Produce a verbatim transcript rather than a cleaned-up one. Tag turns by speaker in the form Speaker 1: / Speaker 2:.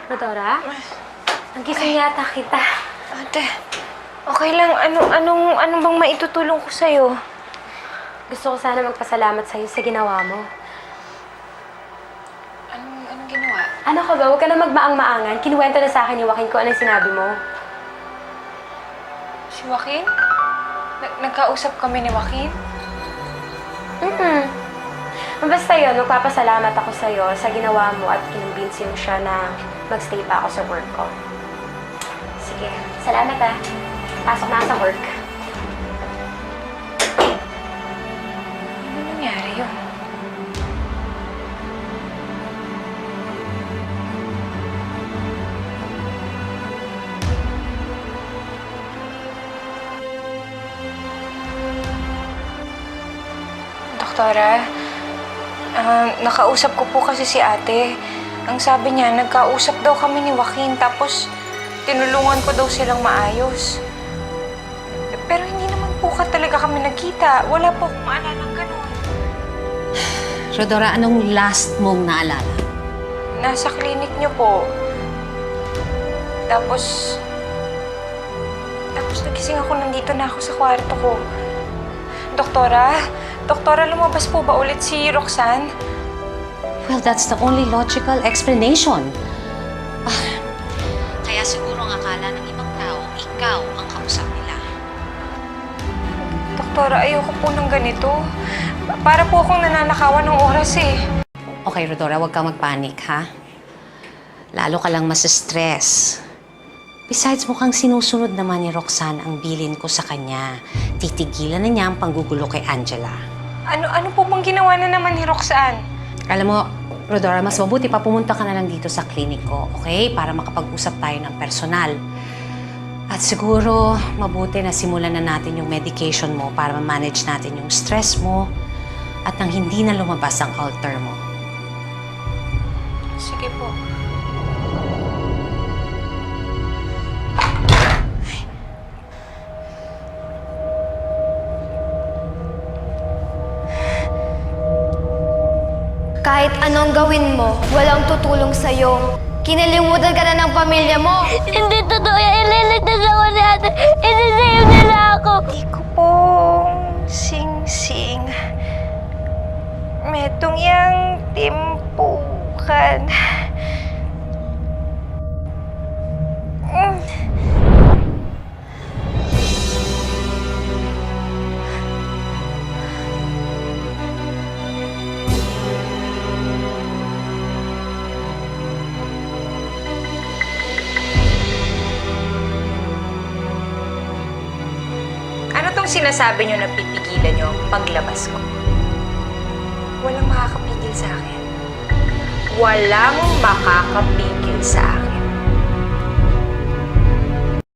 Speaker 1: Rodora? Nagising yata kita.
Speaker 2: Ate, okay lang. Anong, anong, anong bang maitutulong ko sa'yo?
Speaker 1: Gusto ko sana magpasalamat sa'yo sa ginawa mo.
Speaker 2: Anong, anong ginawa?
Speaker 1: Ano ka ba? Huwag ka na magmaang-maangan. Kinuwento na sa akin ni Joaquin kung anong sinabi mo.
Speaker 2: Si Joaquin? Nag nagkausap kami ni Joaquin?
Speaker 1: Mm-mm. Basta yun, magpapasalamat ako sa'yo sa ginawa mo at kinumbinsi mo siya na magstay pa ako sa work ko. Sige, salamat ah. Pasok na ako sa work.
Speaker 2: Ano nangyari yun? Doktora, ah, nakausap ko po kasi si ate. Ang sabi niya, nagkausap daw kami ni Joaquin tapos tinulungan ko daw silang maayos. Pero hindi naman po ka talaga kami nagkita. Wala po akong maalalang ganun.
Speaker 3: Rodora, anong last mong naalala?
Speaker 2: Nasa klinik niyo po. Tapos... Tapos nagising ako, nandito na ako sa kwarto ko. Doktora? Doktora, lumabas po ba ulit si Roxanne?
Speaker 3: Well, that's the only logical explanation. Ah, kaya siguro ang akala ng ibang tao, ikaw ang kausap nila.
Speaker 2: Doktora, ayoko po ng ganito. Para po akong nananakawan ng oras eh.
Speaker 3: Okay, Rodora, huwag kang magpanik, ha? Lalo ka lang masistress. Besides, mukhang sinusunod naman ni Roxanne ang bilin ko sa kanya. Titigilan na niya ang panggugulo kay Angela.
Speaker 2: Ano, ano po bang ginawa na naman ni Roxanne?
Speaker 3: Alam mo, Rodora, mas mabuti pa pumunta ka na lang dito sa klinik ko, okay? Para makapag-usap tayo ng personal. At siguro, mabuti na simulan na natin yung medication mo para ma-manage natin yung stress mo at nang hindi na lumabas ang alter mo.
Speaker 2: Sige po.
Speaker 4: Kahit anong gawin mo, walang tutulong sa'yo. Kinalimutan ka na ng pamilya mo.
Speaker 5: Hindi totoo yan. Ililigtas ako ni ate. Isisave nila ako.
Speaker 2: Di ko pong sing-sing. Metong yang timpukan. Mm. Ano tong sinasabi nyo na pipigilan nyo ang paglabas ko? Walang makakapigil sa akin. Walang makakapigil sa akin.